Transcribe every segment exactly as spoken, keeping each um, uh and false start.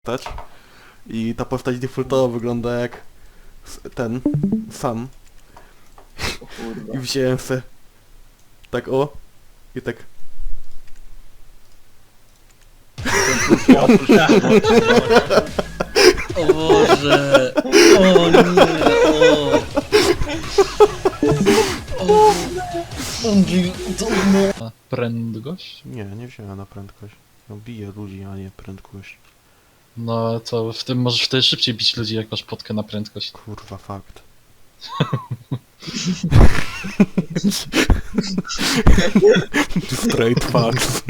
postać i ta postać defaultowo wygląda jak ten sam. I wziąłem se tak o i tak. O Boże! O nie! O! O! Andrzej, to no! Prędkość? Nie, nie wziąłem na prędkość. No biję ludzi, a nie prędkość. No to w tym możesz wtedy szybciej bić ludzi, jak masz potkę na prędkość. Kurwa, fakt. Straight facts.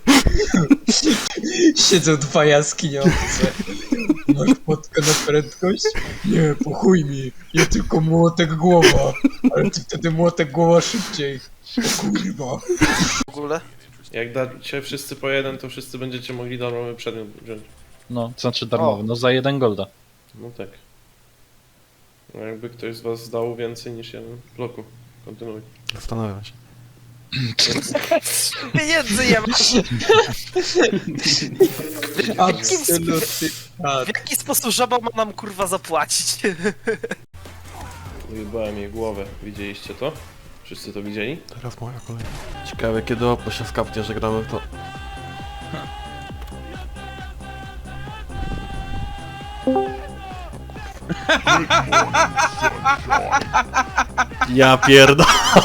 Siedzą dwa jaskiniowce. Masz potkę na prędkość? Nie, po chuj mi. Ja tylko młotek głowa. Ale ty wtedy młotek głowa szybciej. O kurwa. W ogóle? Jak dacie wszyscy po jeden, to wszyscy będziecie mogli darmowy przedmiot wziąć. No, to znaczy darmowy, no za jeden golda. No tak. No jakby ktoś z was zdał więcej niż jeden w bloku. Kontynuuj. Zastanawiam się. Pieniędzy nie masz! Absolutnie. W jaki sposób żaba ma nam kurwa zapłacić? Ujebałem jej głowę. Widzieliście to? Wszyscy to widzieli? Teraz moja kolej. Ciekawe kiedy Oppo się skapnie, że gramy w to. Ja pierdolę.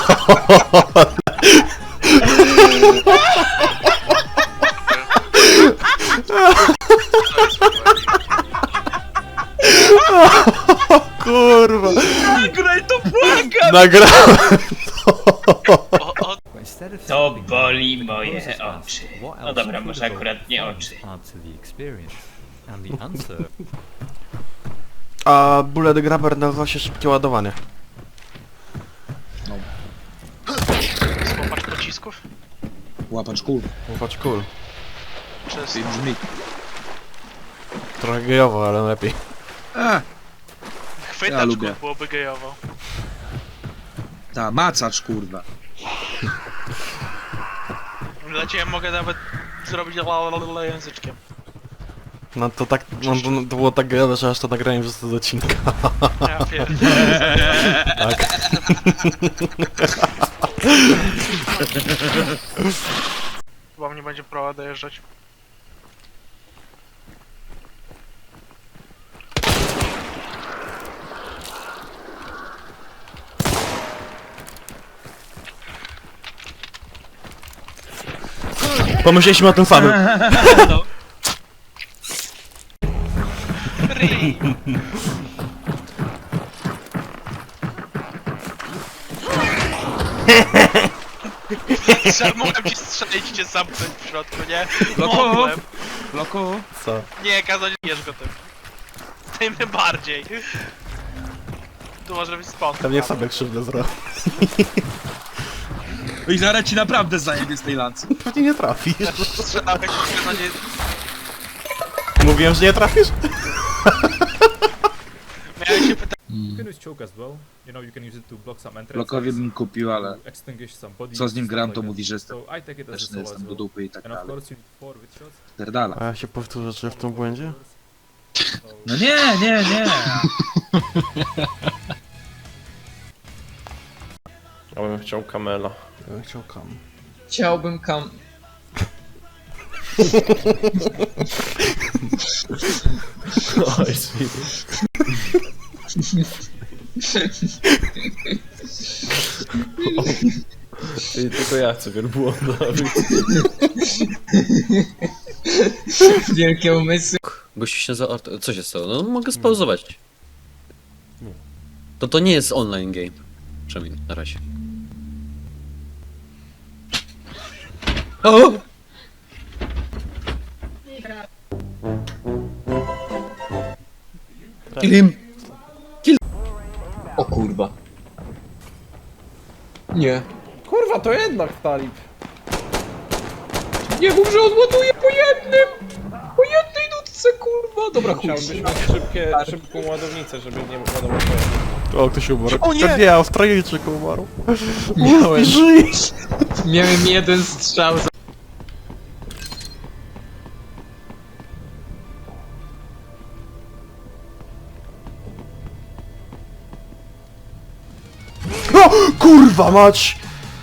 Kurwa. Nagraj to, błagam! Nagrałem To boli moje oczy. No dobra, może akurat nie oczy. A bullet grabber nazywa się szybkie ładowanie. Złapacz pocisków? Łapacz kul. Patrz cool. Czysto. Brzmi. Trochę gejowo, ale lepiej. A, Chwytacz Ja lubię. byłoby gejowo. ta macacz kurwa. Dla ciebie mogę nawet zrobić lalalala języczkiem. No to tak, no, to, to było tak gejowe, że aż to nagrałem przez z odcinka. Ja pierdolę. Tak. Chyba mnie będzie próba dojeżdżać. Pomyśleliśmy o tym samym. Mogłem ci strzelić, cię zamknąć w środku, nie? Loku. Mogłem. Loku. Co? Nie, kazać nie bierz go tym. Tym bardziej. Tu może być spot. Pewnie sobie krzywdę zrobił. I zaraz ci naprawdę zajebie z tej lancy. Pewnie nie trafisz. Strzelałem jak na nie... Mówiłem, że nie trafisz? Miałem się pytać. You can use choke as well. You know, you can use it to block some entrances. Lokowi bym kupił, ale to extinguish some bodies, co z nim stuff gram, like to that. mówi, że jestem So I take it as a też solo as jestem do well. dupy i tak And of dalej. course you need four with shots. Pierdala. A ja się powtórzę, czy w tym błędzie? No nie, nie, nie. Ja bym chciał kamela. Ja bym chciał kam. Chciałbym kam... Oj, sweet. I tylko ja chcę wielbłąda. Wielkie umysły. Gościu się za... Co się stało? No mogę spauzować. To to nie jest online game. Przynajmniej na razie. O! Kill him! O kurwa. Nie. Kurwa, to jednak talib. Nie mów, że odładuje po jednym! Po jednej nutce, kurwa! Dobra, chuj. Chciałbyś mieć szybkie, szybką ładownicę, żeby nie ładować. O, ktoś umarł. O nie! Nie, Australijczyk umarł. Miałem, Żyj! miałem jeden strzał za... O, kurwa mać!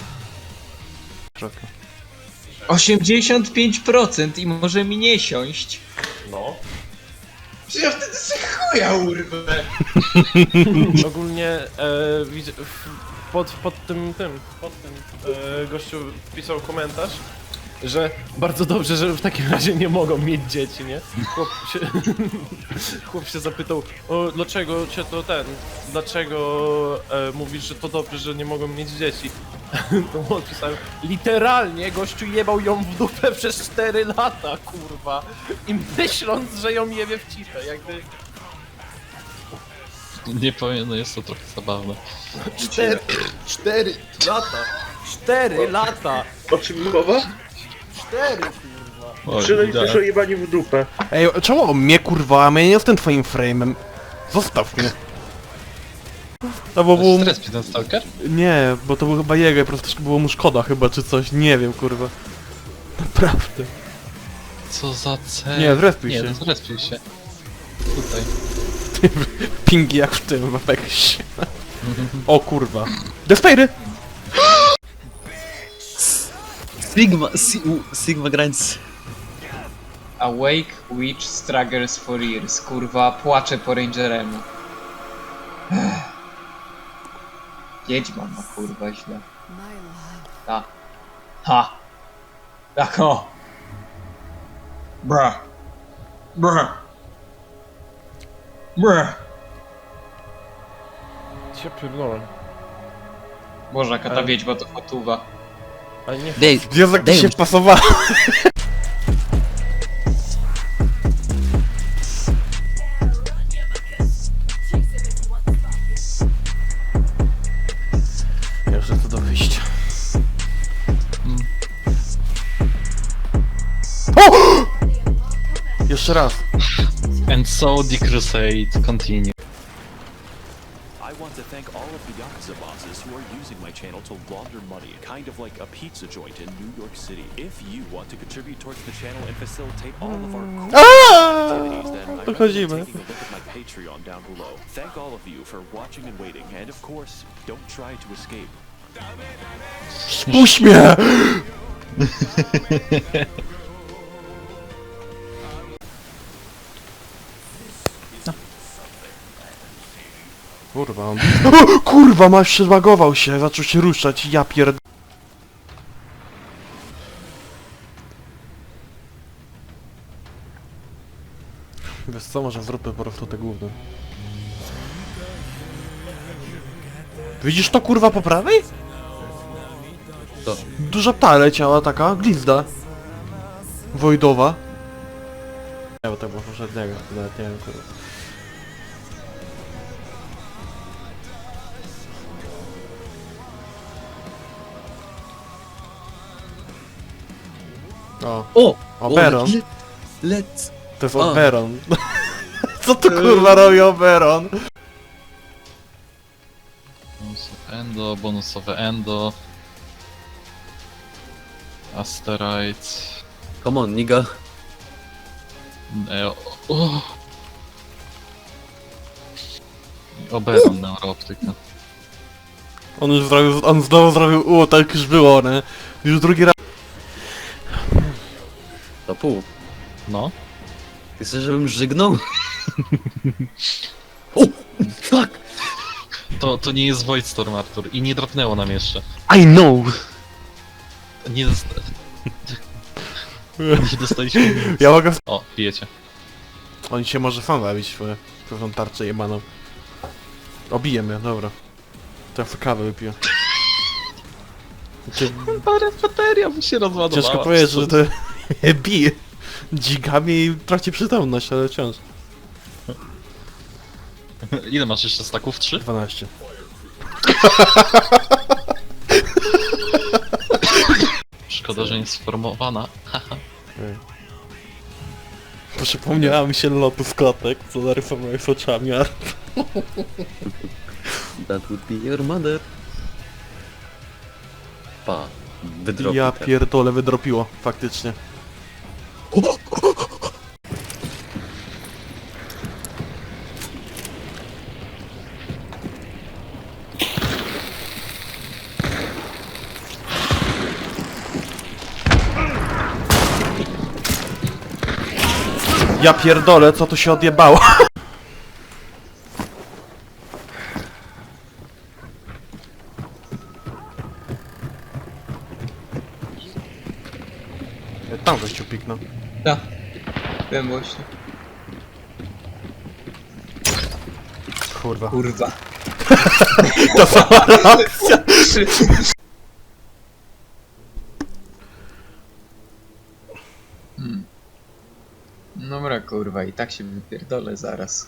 osiemdziesiąt pięć procent i może mi nie siąść. No. Przecież ja wtedy sobie chuja urwę. Ogólnie e, widzę, w- pod, pod tym, tym, pod tym e, gościu wpisał komentarz, że bardzo dobrze, że w takim razie nie mogą mieć dzieci, nie? Chłop się, chłop się zapytał, o, dlaczego cię to ten, dlaczego e, mówisz, że to dobrze, że nie mogą mieć dzieci? To mu odpisałem, literalnie gościu jebał ją w dupę przez cztery lata, kurwa. I myśląc, że ją jebie w cipę, jakby... Nie powiem, no jest to trochę zabawne. Cztery, cztery lata, cztery lata, O czym mowa? cztery kurwa. Oj, Przynajmniej da- też o jebaniu w dupę. Ej, czemu on mnie kurwa, a ja nie jestem twoim frame'em. Zostaw mnie. No bo był... Stres ten stalker? Nie, bo to był chyba jego i po prostu troszkę było mu szkoda chyba, czy coś, nie wiem kurwa. Naprawdę. Co za cel? Nie, zrespił Nie, się. no zrespił się. Tutaj. Pingi jak w tym, w Apexie. O kurwa. Despairy! Sigma, si, u, Sigma Grinds. Awake Witch Struggles for Years. Kurwa, płaczę po Rangeremu. Ech. Wiedźma ma kurwa źle. Ta. Ha. Tak o. Bra. Bra. Bra. Cię pierdolę. Boże, jaka ta Ale- wiedźma to fotuwa. Ale nie... Dave, Jezu, jak to Dave. się pasowało. Jeszcze to do wyjścia. O! Jeszcze raz. And so the crusade continue. I want to thank all of the Yakuza bosses who are using my channel to launder money, kind of like a pizza joint in New York City. If you want to contribute towards the channel and facilitate all of our cool activities, then I recommend Dochodzimy. taking a look at my Patreon down below. Thank all of you for watching and waiting, and of course, don't try to escape. Puść mnie! Kurwa, on... O, kurwa, masz się zbagował się, zaczął się ruszać, ja pierd... Wiesz co, może zróbmy po prostu te gówno. Widzisz to kurwa po prawej? To. Duża pta leciała taka, glizda. Wojdowa. Nie, bo to było poprzedniego, nawet nie wiem kurwa. O, O! Oberon. Let, let's... To jest A. Oberon. Co tu kurwa robi Oberon? Bonusowe endo, bonusowe endo. Asteroid. Come on, nigga. E, o, o. I Oberon neurooptyka. On już zrobił, on znowu zrobił, u, tak już było, nie? Już drugi raz. To pół. No. Ty chcesz, żebym żygnął? O! Fuck! To, to nie jest Voidstorm, Artur. I nie drapnęło nam jeszcze. I know! Nie dosta... nie dostaliśmy nic. Ja mogę... O, pijecie. On się może sam zabić swoją tą tarczę jebaną. Obiję mnie, dobra. To ja sobie kawę wypiję. Znaczy, Parę bateria by się rozładowała. ciężko powiedzieć, że to bije dzikami i traci przytomność, ale wciąż. Ile masz jeszcze staków? Trzy? dwanaście. Szkoda, że nie sformowana. Przypomniała mi się lotu z klatek, co narysowałeś z oczami, a... That would be your mother. Pa. Wydropił Ja ten. pierdolę, wydropiło, faktycznie. Ja pierdolę, co tu się odjebało? Tam gościu piknął. Da. Wiem właśnie. Kurwa. Kurwa. To sama reakcja. Hmm. Dobra kurwa, i tak się wypierdolę zaraz.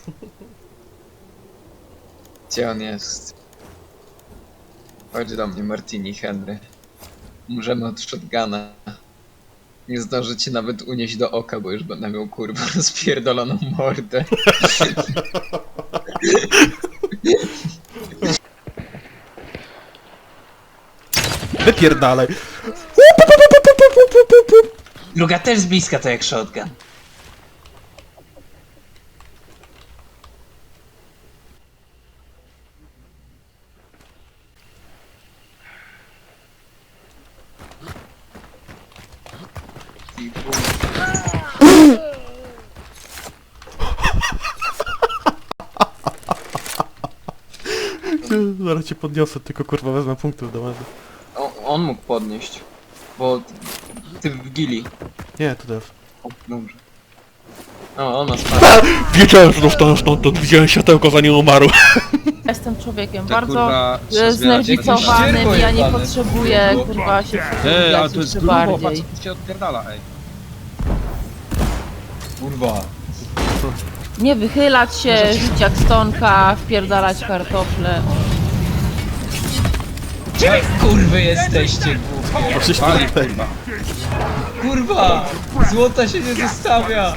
Gdzie on jest? Chodź do mnie, Martini Henry. Umrzemy od shotguna. Nie zdążę cię nawet unieść do oka, bo już będę miał kurwa rozpierdoloną mordę. Wypierdalaj. Druga też z bliska to jak shotgun. Zaraz cię podniosę, tylko kurwa wezmę punktów do medy. O, on mógł podnieść. Bo ty w gili. Nie, to też. O, dobrze. O, ona spadła. Wiedziałem, że dostanę stamtąd, widziałem światełko zanim umarł. Jestem człowiekiem Tak, bardzo kurwa, e, znerwicowanym, ścierwo ja nie jebane. potrzebuję kurwa się Ej, ale przytulić to jest jeszcze grubo, patrz, bardziej. co tu się odpierdala, ej. Kurwa. Nie wychylać się, żyć jak stonka, wpierdalać kartofle. Gdzie wy kurwy jesteście, głupie? Poszliśmy Pali, na tej. kurwa. Kurwa! Złota się nie zostawia!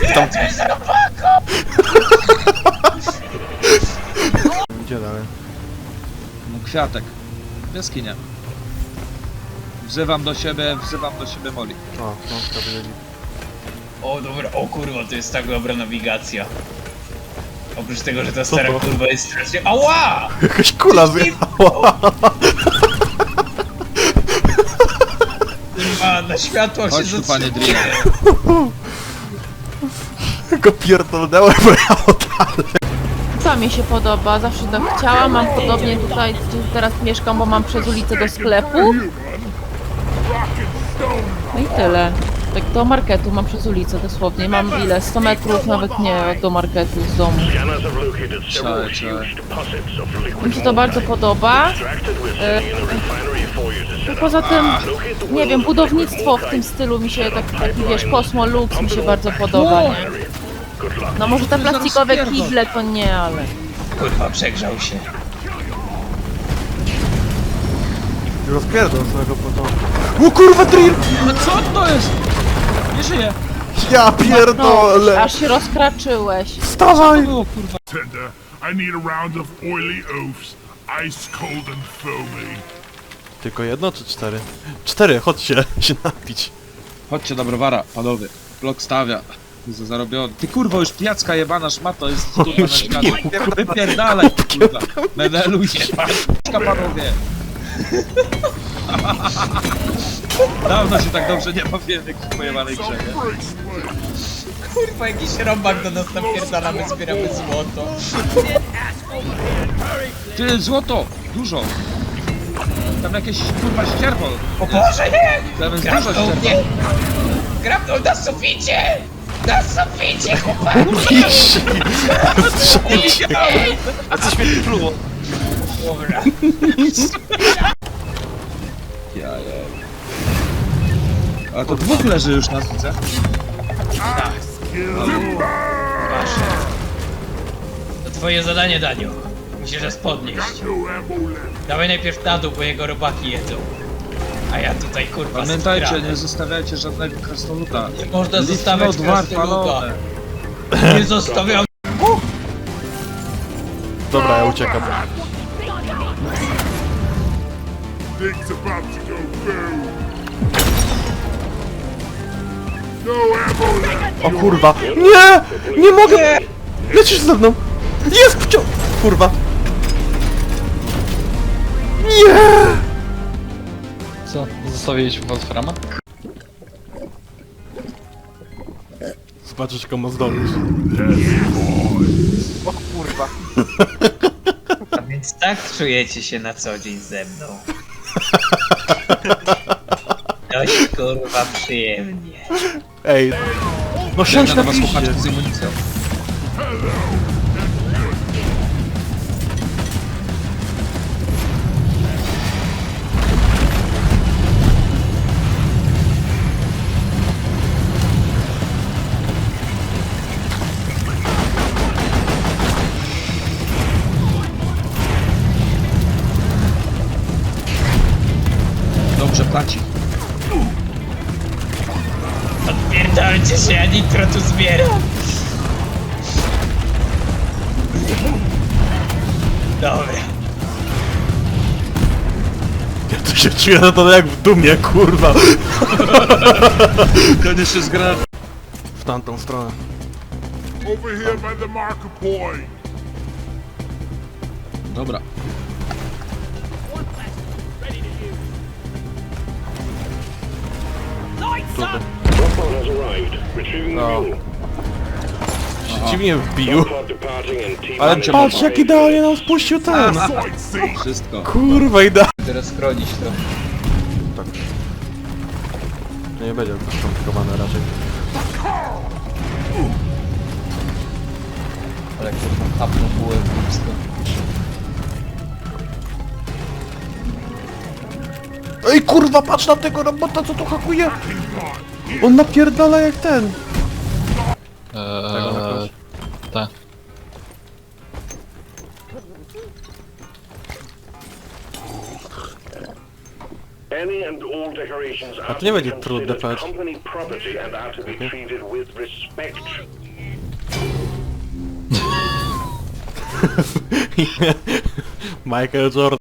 Gdzie dalej? No kwiatek. Jaskinia. Wzywam do siebie, wzywam do siebie Moli. O, no, to byli. O dobra, o kurwa, to jest tak dobra nawigacja. Oprócz tego, że ta Co stara to? kurwa jest strasznie... Ała! Jakaś kula zjechała. Kurwa, na światło się Chodź tu, panie zatrzymuje. Drina. Tylko pierdolnęłem, bo ja odpalę. Co mi się podoba, zawsze tak chciałam, mam podobnie tutaj, gdzie teraz mieszkam, bo mam przez ulicę do sklepu. No i tyle. Tak do marketu mam przez ulicę dosłownie, mam ile? sto metrów, nawet nie do marketu z domu. Czekaj, czekaj. Mi się to bardzo podoba. E, Poza tym, nie wiem, budownictwo w tym stylu mi się, tak, taki wiesz, Cosmo Lux mi się bardzo podoba, nie? No może te plastikowe kible to nie, ale... Kurwa, przegrzał się. Rozpierdol swojego potomka. O kurwa, drill! No co to jest? Nie żyje. Ja No, pierdolę! aż się rozkraczyłeś. Wstawaj! Było kurwa. Tender, I need a round of oily oafs, ice cold and foamy. Tylko jedno czy cztery? Cztery, chodźcie się napić. Chodźcie do browara, panowie. Blok stawia. Za zarobiony. Ty kurwa, już pijacka jebana szmato jest kurwa na świecie. Wypierdalaj kurwa. Meneluj się, paczka panowie. Dawno się tak dobrze nie bawiłem w jakiejś pojebanej grze, nie? Kurwa, jakiś robak do nas napierdala, my zbieramy złoto. Ty, złoto! Dużo! Tam jakieś kurwa ścierwo. O Boże, nie! Tam jest dużo Grabnął ścierwo. mnie! Grabnął na suficie! Na suficie, chłopaki! A coś mnie pluło. Dobra. Ja, ja. A to dwóch leży już na widzę. To twoje zadanie, Daniu. Musisz nas podnieść. Dawaj najpierw na dół, bo jego robaki jedzą. A ja tutaj kurwa Pamiętajcie, skradam. nie zostawiajcie żadnego krasnoluda. Nie można Lift zostawiać not war krasnoluda. palone. Nie zostawiam. Dobra, ja uciekam. Things about to go boom. No ammo left. O kurwa. Nie! Nie mogę! Lecisz ze mną! Jest wciąż! Kurwa. Nie! Co? Zostawiliśmy Wolframa? Patrzysz, komu zdolność. O kurwa. A więc tak czujecie się na co dzień ze mną. Dość kurwa przyjemnie. Ej, no siądź na was piździe. chłopaczki z amunicją. Dobrze płaci. Odpierdolcie się, ja nitro tu zbieram. Dobra. Ja tu się czuję na to jak w dumie, kurwa. Ten jeszcze z granat. W tamtą stronę. Over here by the marker point. Dobra. No. Się dziwnie wbił. Ale patrz, jak idealnie nam spuścił ten. Wszystko. Kurwa, idealnie. Teraz chronić to. Tak. Nie będzie to skomplikowane raczej. Ale kurwa, hapnął bułę blisko. Ej, kurwa, patrz na tego robota, co tu hakuje. On napierdala jak ten. Eee, tak. A to nie będzie trudne, patrz. Michael Jordan.